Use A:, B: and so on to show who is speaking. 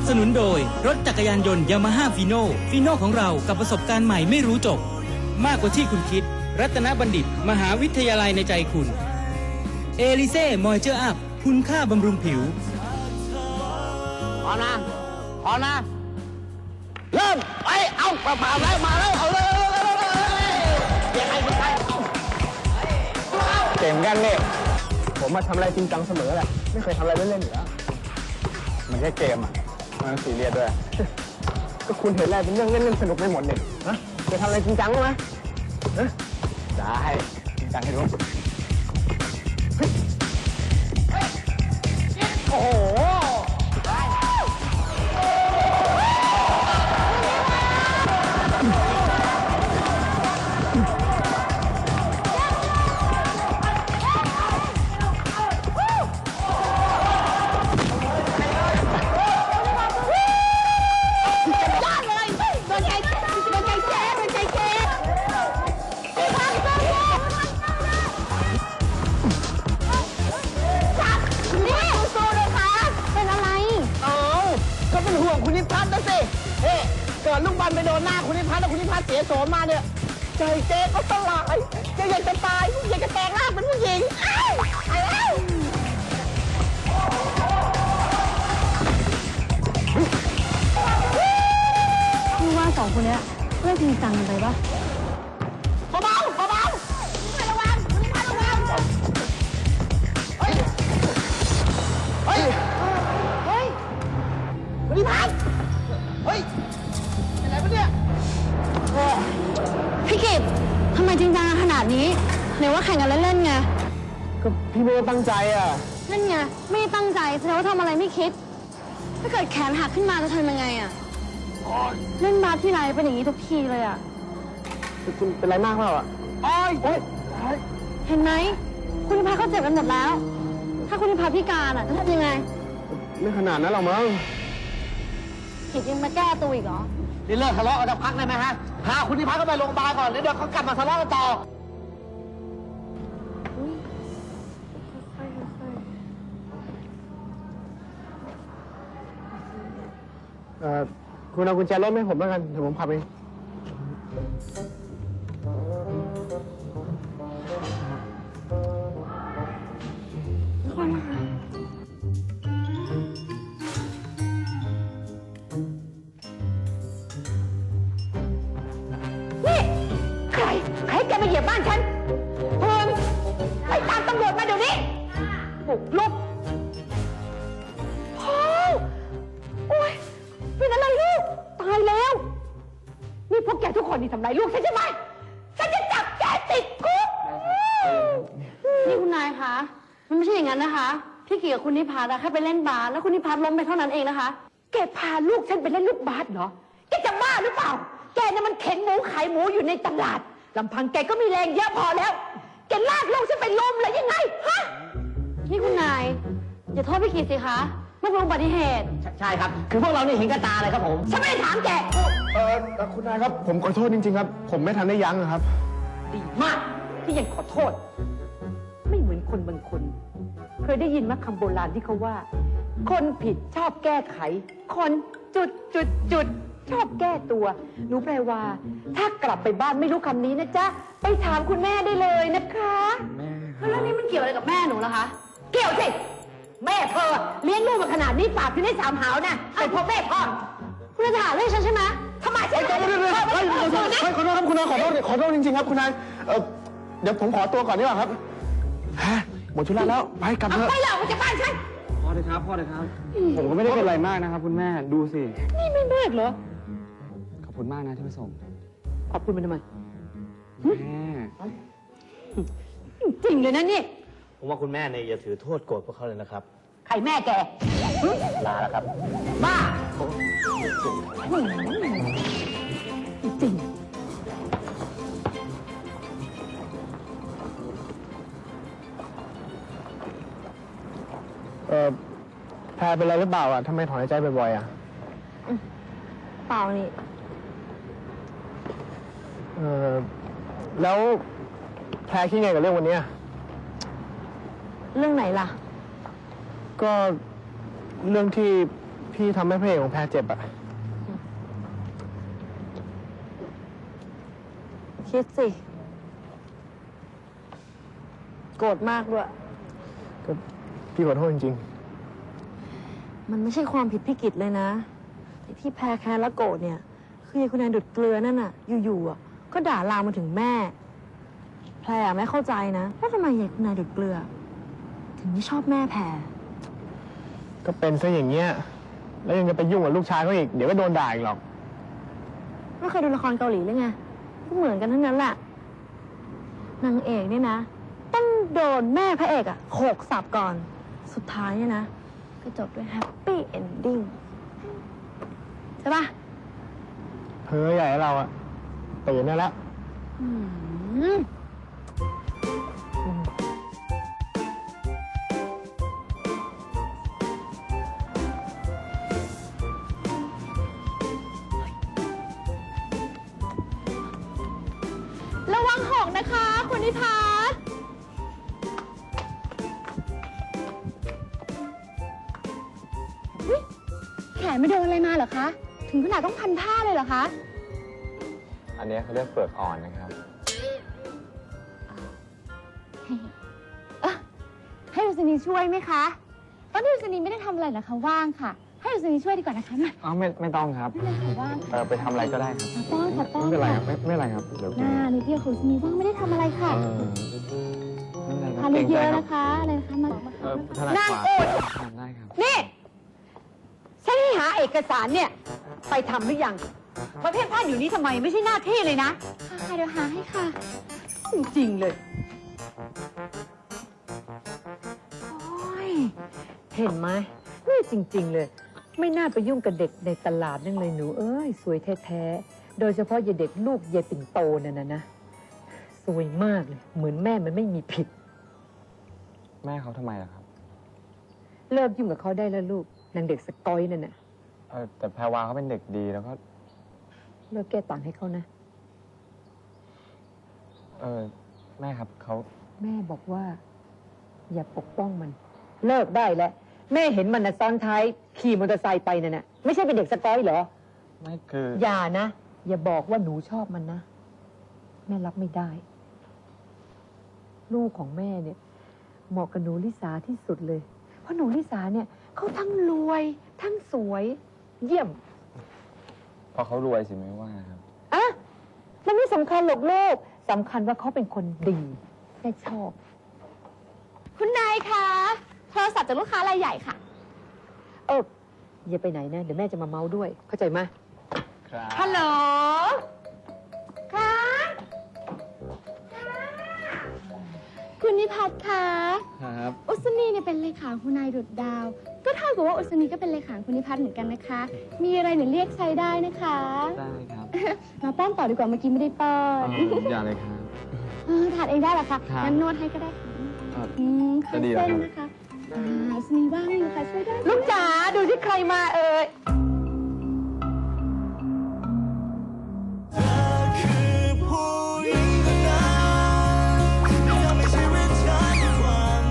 A: สนุนโดยรถจักรยานยนต์ยามาฮ่าฟีโน่ของเรากับประสบการณ์ใหม่ไม่รู้จบมากกว่าที่คุณคิดรัตนบัณฑิตมหาวิทยาลัยในใจคุณเอลิเซ่มอยเจอร์อัพคุณค่าบำรุงผิว
B: พอนะเริ่มไปเอาผ่านแล้วมาแล้วเอาเลยยังไงไม่ใช่เก่งกันเนี่ยผมมาทำอะไรจริงจังเสมอแหละไม่เคยทำอะไรเล่นๆอยู่แล้วมันแค่เกมอ่ะมันซีเรียสด้วยก็คุณเห็นอะไรเป็นเรื่องเล่นๆสนุกไม่หมดเนี่ยฮะจะทำอะไรจริงจังไหมได้จริงจังให้รู้โอ้โหคุณนิพัฒน์นะสิเกิดลูกบอลไปโดนหน้าคุณนิพัฒน์แล้วคุณนิพัฒน์เสียโฉมมาเนี่ยใจเจ๊ก็สลายเจ๊อยากจะตายอยากจะแปลงร่างเป็นผู้หญิงไปแล้ว
C: พี่ว่าสองคนนี้เลิกจริงจังกันไปปะ
B: เบาไม่ระวังคุณนิพัฒน์ระวังเฮ้ยคุณนิพัฒน์เฮ้ยเป็นไรปะเนี่ย
C: พี่กิตทำไมจริงจังขนาดนี้ไหนว่าแข่งกันเล่นๆไง
B: ก็พี่ไม่ได้ตั้งใจอ่ะ
C: นั่นไงไม่ได้ตั้งใจแสดงว่าทำอะไรไม่คิดถ้าเกิดแขนหักขึ้นมาจะทำยังไงอ่ะเล่นบาสที่ไรเป็นอย่างนี้ทุกทีเลยอ่ะ
B: คุณเป็นไรมากเปล่าอ่ะ
C: เห็นไหมคุณนิพัฒน์เขาเจ็บกันหมดแล้วถ้าคุณนิพัฒน์พิการอ่ะจะทำยังไง
B: ไม่ขนาดนั้นหรอกมั้ง
C: กิตยังมาแก้ตัวอีกเหรอ
B: นี่เลิกทะเลาะกันจะพักได้ไหมฮะพาคุณนิพัฒน์เข้าไปโรงพยาบาลก่อนแล้วเดี๋ยวเขากลับมาทะเลาะกันต่อคุณเอากุญแจรถให้ผมแล้วกันเดี๋ยวผมขับเอง
D: นี่ใครแกมาเหยียบบ้านฉันเพิ่มไปตามตำรวจมาเดี๋ยวนี้บุกรุกโอ้ยเป็นอะไรลูกตายแล้วนี่พวกแกทุกคนนี่ทำร้ายลูกฉันใช่ไหมฉันจะจับแกติดคุก
C: นี่คุณนายคะมันไม่ใช่อย่างนั้นนะคะพี่กิตกับคุณนิพัฒน์แค่ไปเล่นบาสแล้วคุณนิพัฒน์ล้มไปเท่านั้นเองนะคะ
D: แกพาลูกฉันไปเล่นลูกบาสเหรอแกจะบ้าหรือเปล่าแกน่ะมันเข็นหมูขายหมูอยู่ในตลาดลำพังแกก็มีแรงเยอะพอแล้วแกลากลูกฉันไปล้มเลยยังไงฮะ
C: นี่คุณนายอย่าโทษพี่กิตสิคะไม่เป็นอุบัติเหตุ
B: ใช่ครับคือพวกเรานี่เห็นกับตาเลยครับผม
D: ฉันไม่ได้ถามแก
B: คุณนายครับผมขอโทษจริงๆครับผมไม่ทันได้ยั้งครับ
D: ดีมากที่ยังขอโทษไม่เหมือนคนบางคนเคยได้ยินมั้ยคำโบราณที่เขาว่า คนผิดชอบแก้ไขคนจุดชอบแก้ตัวหนูแปลว่าถ้ากลับไปบ้านไม่รู้คำนี้นะจ๊ะไปถามคุณแม่ได้เลยนะคะ
B: แม่
C: แล้วเรื่องนี้มันเกี่ยวอะไรกับแม่หนูล่ะคะ
D: เกี่ยวสิแม่เธอเลี้ยงลูกมาขนาดนี้ปากถึงได้3 หาวนะเป็นเพราะแม่พ่อ
C: คุณจะถามเรื่องฉันใช่ไหม
D: ทำไมฉัน
B: ขอโทษครับคุณนายขอโทษจริงๆครับคุณนายเดี๋ยวผมขอตัวก่อนดีกว่าครับหมดธุระแล้วไปกลับเถอะ
D: ไปแล้วมันจะบ้านฉัน
B: พ่อเลยครับผมก็ไม่ได้เป็นอะไรมากนะครับคุณแม่ดูสิ
D: นี่ไม่มากเหรอ
B: ขอบคุณมากนะที่มาส่ง
D: ขอบคุณมันทำไม
B: แม่
D: จริงเลยนะนี่
E: ผมว่าคุณแม่เนี่ยอย่าถือโทษโกรธพวกเขาเลยนะครับ
D: ใครแม่แก
E: ลาแล้วครับ
D: บ้าจริง
B: แพรเป็นอะไรหรือเปล่าอ่ะทำไมถอนหายใจบ่อยๆอ่ะ
C: เปล่านี่
B: แล้วแพรคิดไงกับเรื่องวันนี้
C: เรื่องไหนล่ะ
B: ก็เรื่องที่พี่ทำให้พระเอกของแพรเจ็บอะ
C: คิดสิ โกรธมากด้วย
B: ก็พี่ขอโทษจริง
C: มันไม่ใช่ความผิดพี่กิจเลยนะไอ้ที่แพ้แค้นและโกรธเนี่ย คือไอ้คุณนายดุดเกลือนั่นน่ะ อยู่ๆอ่ะก็ด่าลามมาถึงแม่ แพรไม่เข้าใจนะว่าทำไมไอ้คุณนายดุดเกลือ ถึงไม่ชอบแม่แพร
B: ๆ ก็เป็นซะอย่างเงี้ย แล้วยังจะไปยุ่งกับลูกชายเขาอีก เดี๋ยวก็โดนด่าอีกหรอก
C: ไม่เคยดูละครเกาหลีเลยไงก็เหมือนกันทั้งนั้นแหละ นางเอกเนี่ยนะ ต้องโดนแม่พระเอกอะโขกสับก่อน สุดท้ายเนี่ยนะ ก็จบด้วยแฮปปี้เอนดิ้งใช่ปะ
B: เพ้อใหญ่เราอะตื่นได้แล้ว
C: อืมระวังหอกนะคะ คุณนิพัฒน์แขนไม่โดนอะไรมาเหรอคะ ถึงขนาดต้องพันผ้าเลยเหรอคะ
B: อันนี้เขาเรียกเปลือกอ่อนนะครับ
C: ให้ดุษณีช่วยไหมคะตอนนี้ดุษณีไม่ได้ทำอะไรนะคะว่างค่ะ ให้ดุษณีช่วยดีกว่านะคะมา
B: อ้าวไม่ต้องครับ
C: ไม่เป็นไรค่ะว่าง
B: ไปทำอะไรก็ได้ครับ
C: ขอป้อนขอป้อน
B: ไม่เป็นไรค
C: ค่ะ
B: รับไม่เป็นไรครับเดี๋ยว
C: หน้านิดเดียวของดุษณีว่างไม่ได้ทำอะไรค่ะ
B: ไม่เป็นไรค
C: ทา
B: รับ
C: นเยอะๆนะคะอะไรนะคะมา
B: ถนัด
D: นั่ง
B: ขวา
D: อุด
B: ได้ครับ
D: นี่ฉันให้หาเอกสารเนี่ย ไปทำหรือยังมาเพ่นพ่านอยู่นี้ทำไมไม่ใช่หน้าที่เลยนะ
C: ค่ะเดี๋ยวหาให้ค่ะ
D: จริงๆเลย โอ้ย เห็นไหมนี่จริง ๆ เลย ไม่น่าไปยุ่งกับเด็กในตลาดนั่นเลยหนู เอ้ย สวยแท้ๆ โดยเฉพาะยายเด็กลูกยายปิ่นโตนั่นนะ สวยมากเลย เหมือนแม่มันไม่มีผิด
B: แม่เขาทำไมล่ะครับ
D: เลิกยุ่งกับเขาได้แล้วลูก นางเด็กสกอยนั่นน่ะ
B: แต่แพรวาเขาเป็นเด็กดีแล้วก็
D: เลิกแก้ต่างให้เขานะ
B: แม่ครับเขา
D: แม่บอกว่า อย่าปกป้องมัน เลิกได้แล้ว แม่เห็นมันนะซ้อนท้ายขี่มอเตอร์ไซค์ไปนั่นน่ะไม่ใช่เป็นเด็กสกอยเหรอ
B: ไม่คือ
D: อย่านะ อย่าบอกว่าหนูชอบมันนะ แม่รับไม่ได้ ลูกของแม่เนี่ย เหมาะกับหนูลิสาที่สุดเลย เพราะหนูลิสาเนี่ยเขาทั้งรวย ทั้งสวย เยี่ยม
B: พอเขารวยสิไม่ว่าครับ
D: อะมันไม่สำคัญหรอกลูกสำคัญว่าเขาเป็นคนดีแม่ชอบ
C: คุณนายคะโทรศัพท์จากลูกค้ารายใหญ่ค่ะ
D: อย่าไปไหนนะ เดี๋ยวแม่จะมาเมาด้วย เข้าใจไหม
B: ครับ
D: ฮัลโหล
C: ค่ะ คุณนิพัฒน์คะ
B: ครับ
C: อุศนีเนี่ยเป็นเลขาคุณนายดุดดาว ก็เท่ากับว่าอุศนีก็เป็นเลขาคุณนิพัฒน์เหมือนกันนะคะ มีอะไรเนี่ยเรียกใช้ได้นะคะ
B: ได้ครับ
C: มาป้อนต่อดีกว่าเมื่อกี้ไม่ได้ป้อน
B: อย่าเลยครับ
C: ทานเองได้เหรอคะ
B: ครับ
C: งั้นนวดให้ก็ได้ค่ะ
B: ครับ
C: ค่อย
B: จะดีเหรอ
C: เส้น
B: ครับ
C: นะคะอุศนีว่างอยู่ค่ะช่วยได้ไหม
D: ลูกจ๋าดูที่ใครมาเอ่ย